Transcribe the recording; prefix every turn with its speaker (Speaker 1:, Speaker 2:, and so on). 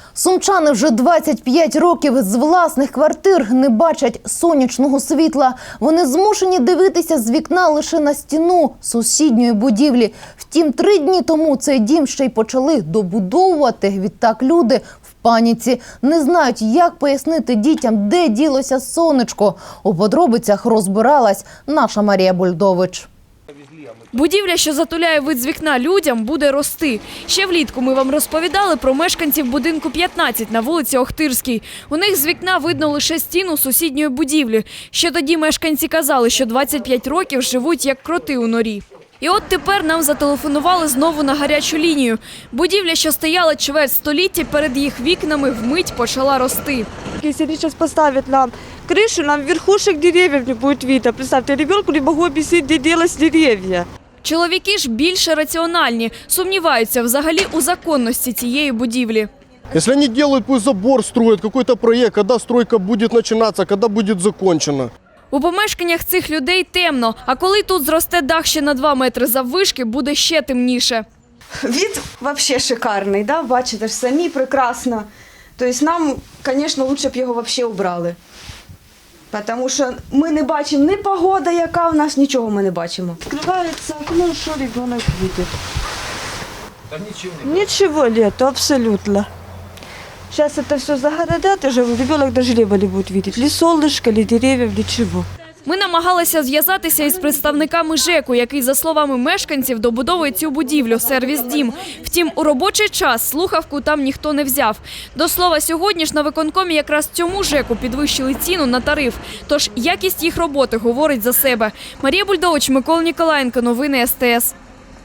Speaker 1: Сумчани вже 25 років з власних квартир не бачать сонячного світла. Вони змушені дивитися з вікна лише на стіну сусідньої будівлі. Втім, 3 дні тому цей дім ще й почали добудовувати. Відтак люди в паніці. Не знають, як пояснити дітям, де ділося сонечко. У подробицях розбиралась наша Марія Бульдович.
Speaker 2: Будівля, що затуляє вид з вікна людям, буде рости. Ще влітку ми вам розповідали про мешканців будинку 15 на вулиці Охтирській. У них з вікна видно лише стіну сусідньої будівлі. Ще тоді мешканці казали, що 25 років живуть як кроти у норі. І от тепер нам зателефонували знову на гарячу лінію. Будівля, що стояла чверть століття, перед їх вікнами вмить почала рости.
Speaker 3: Если они сейчас поставят нам крышу, нам верхушек деревьев не будет видно. Представьте, ребенку не могу объяснить, где делать деревья.
Speaker 2: Чоловіки ж більше раціональні, сумніваються взагалі у законності цієї будівлі.
Speaker 4: Если они делают, пусть забор строят, какой-то проект, когда стройка будет начинаться, когда будет закончена.
Speaker 2: У помешканнях цих людей темно, а коли тут зросте дах ще на 2 метри заввишки, буде ще темніше.
Speaker 5: Вид вообще шикарний, да? Бачите ж самі прекрасно. Тобто нам, звісно, лучше б його взагалі убрали. Тому що ми не бачимо ні погода, яка в нас, нічого ми не бачимо.
Speaker 3: Открывается окно, что ребенок видит? Там ничего нету, абсолютно. Сейчас это все загородят, и же ребенок даже неба не будет видеть. Ни солнышко, ни деревьев, ничего.
Speaker 2: Ми намагалися зв'язатися із представниками ЖЕКу, який, за словами мешканців, добудовує цю будівлю – сервіс «Дім». Втім, у робочий час слухавку там ніхто не взяв. До слова, сьогодні ж на виконкомі якраз цьому ЖЕКу підвищили ціну на тариф. Тож якість їх роботи говорить за себе. Марія Бульдович, Микола Ніколаєнко, новини СТС.